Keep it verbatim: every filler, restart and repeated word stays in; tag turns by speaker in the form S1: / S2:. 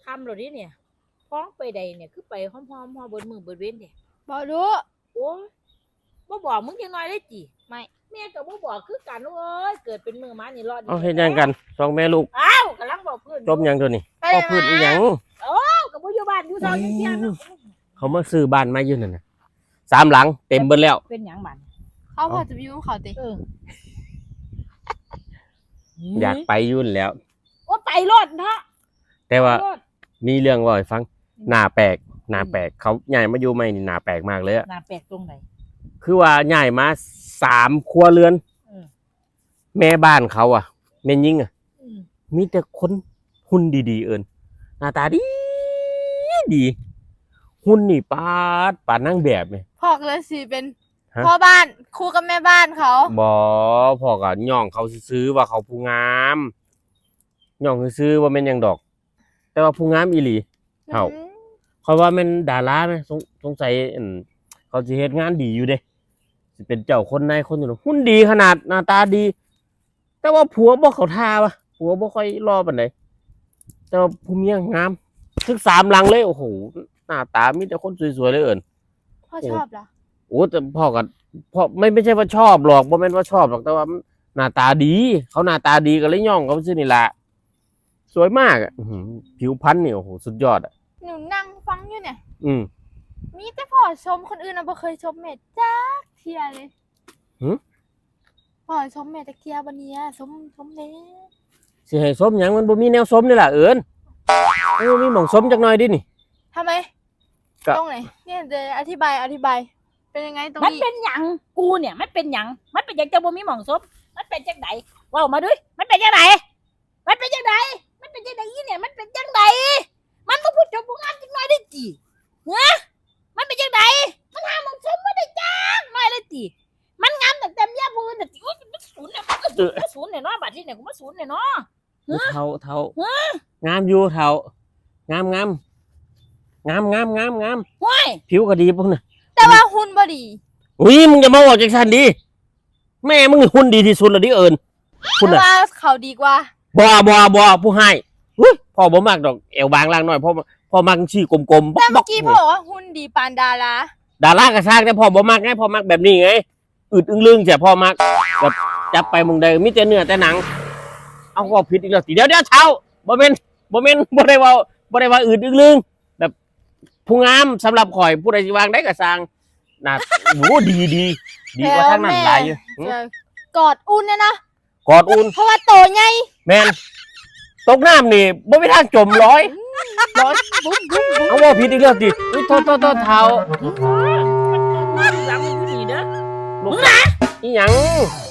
S1: คำเหล่านี้เนี่ยพ้องไปใดเนี่ยคือไปหอมๆหอมเบิดมือเบิดเว้นเนี่ย
S2: บ่รู้
S1: โอ้ยบ่บอกมึงยังน้อยได้จี
S2: ไม่
S1: แม่ก็บ่บอกคือกันเอ้ยเกิดเป็นมือมานี่รอด
S3: เอาเฮ็ดหยังกันสองแม่ลูก
S1: อ้าวกำลังบอกเพื่อน
S3: จมหยังตัวนี้
S2: ไป
S3: พ่อ
S2: เลย
S3: พูดอีหยัง
S1: อ้าวกับบ่อยู่บ้านอยู่ซอยอยู่เที่ยงเนาะ
S3: เขามาซื้อบ้านมาอยู่นั่นน่ะสามหลังเต็มเบิดแล้ว
S1: เป็นหยังบัด
S2: เขาพอจะไปยุ่งเขาติ
S1: เออ
S3: อยากไปอยุ่นนแหล้ว
S1: ว่าไปรถเนาะ
S3: แต่ว่า
S1: ไปรถ
S3: มีเรื่องเว่าให้ฟังหน้าแปลกหน้าแปลกเขาใหญ่มาอยู่ใหม่นี่หน้าแปลกมากเลยอะ
S1: หน้าแปลกตรงไหน
S3: คือว่าใหญ่มาสามครัวเรือน
S1: เออ
S3: แม่บ้านเขาอ่ะแม่ยิ่งอ่ะ
S1: อืม
S3: มีแต่คนหุ่นดีๆเอิญหน้าตาดีดีหุ่นนี่ปาดปาดนั่งแบบเนี่ย
S2: พ่อก็เลยสิเป็น
S3: ฮะ
S2: พ่อบ้านคู่กับแม่บ้านเขา
S3: บอพ่อก็ย่องเขาซื้อๆว่าเขาผู้งามย่องซื้อๆว่าแม่นหยังดอก แต่ว่าผู้งามอีหลี เอ้า
S2: อืม
S3: เขาว่าแม่นดาราไหมสงสงสัยอั่นเขาสิเฮ็ดงานดีอยู่เด้สิเป็นเจ้าคนนายคนอยู่เนาะหุ่นดีขนาดหน้าตาดี แต่ว่าผัวบ่เขาท่าวะผัวบ่ค่อยรอปานใดแต่ว่าผู้เมียงามถึงสามหลังเลยโอ้โหหน้าตามีแต่คนสวยๆเลยเอิ้น
S2: พ่อชอบเหรอ
S3: โอ้แต่พ่อก็พ่อไม่ไม่ใช่ว่าชอบหรอกบ่แม่นว่าชอบหรอกแต่ว่าหน้าตาดี เขาหน้าตาดีก็เลยย่องเขาซื่อนี่ล่ะสวยมากอ่ะอื้อหือผิวพรรณนี่โอ้โหสุดยอดอ่ะ
S2: หนูนั่งฟังอยู่เนี่ย
S3: อืม
S2: มีแต่พ่อชมคนอื่นนะบ่เคยชมแม่จักเทียเลย
S3: หึ
S2: พ่อชมแม่จักเทียบันเนี้ยชมชมเน่
S3: สิให้สมหยังมันบ่มีแนวสมนี่ล่ะเอิ้นเออมีหม่องสมจักหน่อยดินี่
S2: ทำไม
S3: ก็
S2: ตรงไหนเนี่ยเดี๋ยวอธิบายอธิบาย เป็นยังไงตรง
S1: มัน
S2: นี้
S1: เป็นหยังกูเนี่ยมันเป็นหยังมันเป็นหยังจะบ่มีหม่องซบมันเป็นจังไดเว้ามาด้วยมันเป็นจังไดมันเป็นจังไดมันเป็นจังไดอีเนี่ยมันเป็นจังไดมันบ่พูดจบบ่งามจังน้อยได้จีฮะมันเป็นจังไดมันหาหม่องซบบ่ได้จักน้อยเลยจีมันงามตั้งแต่เมียผู้อื่นน่ะจิอุ๊ยมันศูนย์เนี่ยมันก็ศูนย์มันศูนย์เนี่ยเนาะบัดนี้เนี่ยกูมาศูนย์เนี่ยเนาะ
S3: เท่าเท่างามอยู่เท่างามงามงามงามงามงาม
S1: ห้วย
S3: ผิวก็ดีพวกน่ะ
S2: แต่ว่าหุ่นบ่ดี
S3: อุ้ยมึงอย่ามาบอกจังซั่นดิแม่มึงหุ่นดีที่สุดแล้วดิเอิ้นคุณ
S2: แต่
S3: น่ะ
S2: ว่าเขาดีกว่า
S3: บ่บ่บ่ผู้ให้อุ้ยพ่อบ่มักดอกเอวบางล่างน้อยพ่อพ่อมักชี้กลมๆ
S2: แต่
S3: บ๊
S2: เมื่
S3: อ
S2: อก กี้พ่อบอกว่าหุ่นดีปานดารา
S3: ๆดาราก็สร้างแต่พ่อบ่มักไงพ่อมักแบบนี้ไงอึดอึ้งลึงใช่พ่อมักแบบจับไปมึงได้มีแต่เนื้อแต่หนัง เอาก็ผิดอีกแล้วสิเดี๋ยวเดี๋ยวเช้าบ่แม่นบ่แม่นบ่ได้เว้าบ่ได้ว่าอึดอึ้งลึงแบบผู้งามสำหรับข่อยผู้ใดสิวางได้ก็สร้างน่าโหดีดีดีกว่าทางนั้นหลายอยู่หึ
S2: จะกอดอุ่นเนี่ยนะ
S3: กอดอุ่น
S2: เพราะว่าโตไง
S3: แม่นตกน้ำนี่บ่มีทางจมร้อยร้อย
S2: บุ้มบุ้มบุ้ม
S3: เอาว่าผิดอีกแล้วสิอุ๊ยโทษโทษโทษเท้า
S1: มันหลังมันอยู่นี่เด้อ
S3: ลูกอีหยัง